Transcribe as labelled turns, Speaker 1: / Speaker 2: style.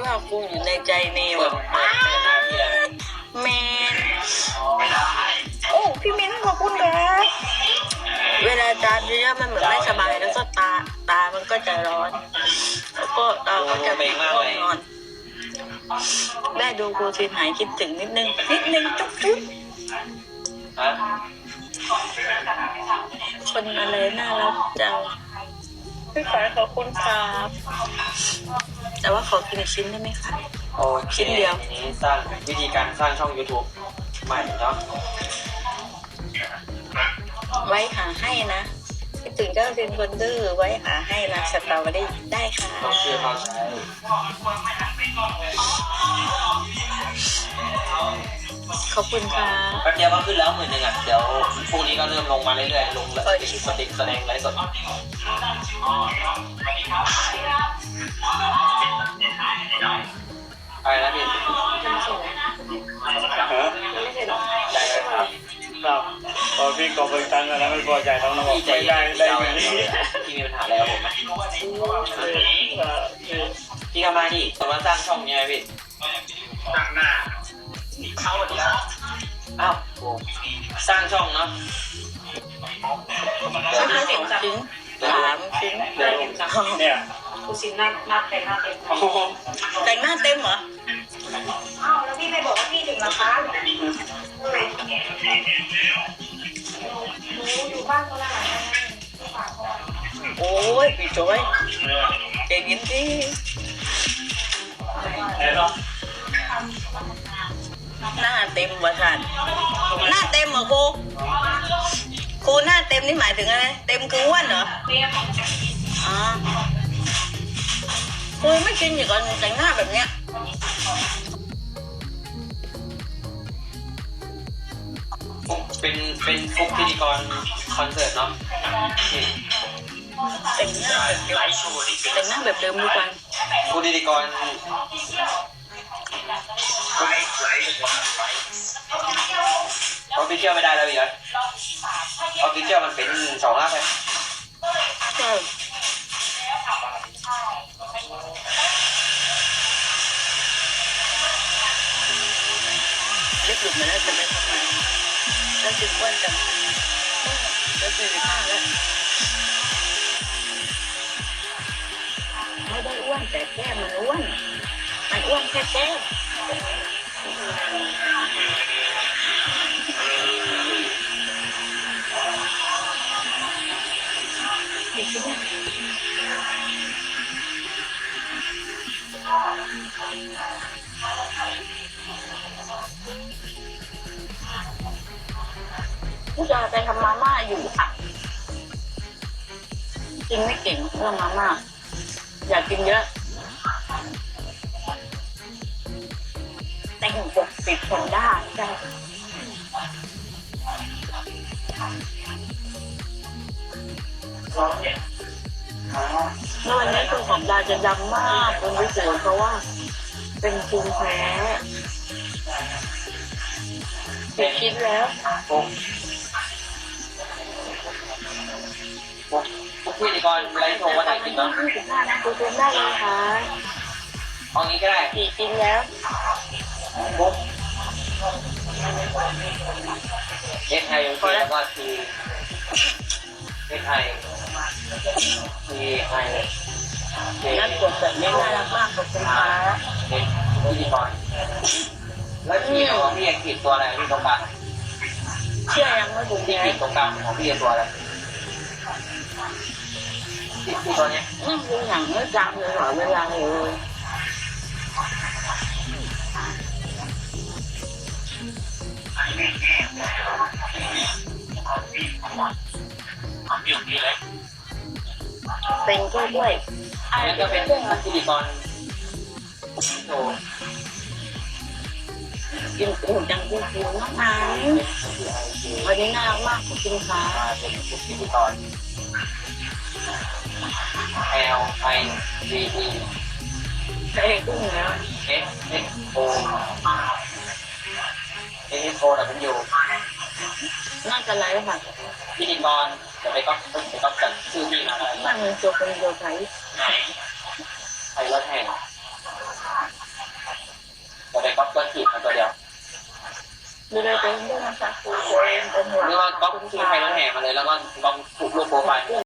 Speaker 1: ว่ากูอยู่ในใจเนวแมนโอ้พี่มิ้นขอบคุณครับเวลาตาเยอะๆมันเหมือนไม่สบายแล้วก็ตามันก็จะร้อนแล้วก็ตาก็จะง่วงนอนได้ดูครูซินหายคิดถึงนิดนึงจุ๊บคนอะไรน่ารักจังพี่ขายขอบคุณครับแต่ว่าขอกินชิ้นได้ไหมคะชิ้นเดียว
Speaker 2: นี้สร้างวิธีการสร้างช่อง YouTube ใหม่เนาะ
Speaker 1: ไว้หาให้นะคิดถึงเจ้าเป็นคนดื้อไว้หาให้นะสตาร์วันได้ค่ะ
Speaker 2: ต้องเชื่อเขาใช้
Speaker 1: ขอบคุณค่ะ
Speaker 2: แป๊บเดียวก็ขึ้นแล้ว10,000อ่ะเดี๋ยวพรุ่งนี้ก็เริ่มลงมาเรื่อยๆลงแล้วสติ๊กแสดงไลฟ์สดอะไรนะพี่ได้ครับ
Speaker 3: ครับพอพี่กอบริตังแล้วไม่พอใจต้องบอกไม่ได้
Speaker 2: พี่มีปัญหาอะไรกับผมไหมพี่ทำไมดิตอนนั้นสร้างช่องยังไงพี่ตั้งหน้าเข้าดีครับอ้าวสร้างช่องเนาะ
Speaker 1: ชิ้น3 ชิ้น
Speaker 3: เนี่ย
Speaker 4: คุณซินหน้าแต่งหน้าเต็ม
Speaker 1: แต่งหน้าเต็มเหรอ
Speaker 4: อ้าวแล้วพี่ไม่บอกว่าพี่ถึงราคาหนูอยู่บ้านคนละหลัง
Speaker 1: โอ้ยพี่จอยเก่งจริงหน้าเต็มวะสันหน้าเต็มเหรอครูหน้าเต็มนี่หมายถึงอะไรเต็มคืออ้วนเหรออ๋อครูไม่กินอยู่ก่อนแต่งหน้าแบบเนี้ย
Speaker 2: เป็นฟุกพิธีกรคอนเสิร์ตเนาะ
Speaker 1: แต่งหน้าแบบเดิมทุกวัน
Speaker 2: ฟุกพิธีกรออฟฟิเชียลไม่ได้แล้วอีกเหรอออฟฟิเชียลมันเป็น2 อัพเลย
Speaker 1: เล็กหลุดมาแล้วจะไปทำไมแล้วถึงอ้วนจังแล้ว45แล้วไม่ได้อ้วนแต่แก้มมันอ้วนแค่แก้มผู้ชายไปทำมาม่าอยู่ค่ะกินไม่เก่งเรื่องมาม่าอยากกินเยอะแต่งปกปิดคนได้ใช่เมื่อวันนี้ตัวของดาจะดำมากเป็นพิเศษเพราะว่าเป็นภูมิแพ้ไปคิดแล้ว
Speaker 2: พิธีกรไลฟ์โชว์วันไหนกินเนาะ
Speaker 1: ดูเต็มได้เลยค่ะ
Speaker 2: เอางี้ก็ได้
Speaker 1: 4 กินแล้ว
Speaker 2: ไทยยังแล้วก็คือไทย
Speaker 1: นั่นกดแบบนี้น่ารักมากขอบคุณค่ะ
Speaker 2: พิธีกรแล้วขีดของพี่ขีดตัวอะไรที่ตรงกลาง
Speaker 1: เชื่อยังไม่ถูก
Speaker 2: ที่ขีดตรงกลางของพี่ตัวอะไรที่ตัวนี้
Speaker 1: นั่งดูหนังไม่จำเลยหรอเวลาเลยเป็นด้วย
Speaker 2: อันนี้ก็เป็นพิธีกรโชว์
Speaker 1: กินอุ่นจังกินมากนะวันนี้น่ารักมากขอบคุณค่ะ
Speaker 2: เป็นพิธีกร LIVE
Speaker 1: เอ้กุ้งแล้ว
Speaker 2: SXO SXO
Speaker 1: น่าจะไลฟ์ค่ะ
Speaker 2: พิธีกรจะไปก๊อปจัดชื่อพี่มาอะไร
Speaker 1: นั่งเป็นตัวใคร
Speaker 2: ใครรถแห่งจะไปก๊อปตัวขีดมาตัวเดียว
Speaker 1: ดูเลยตัวเองด้วยนะคะครูตัวเองเป็นหัว
Speaker 2: หรือว่าก๊อปที่ใครรถแห่มาเลยแล้วก็ก๊อปผูกรูปโปรไฟล์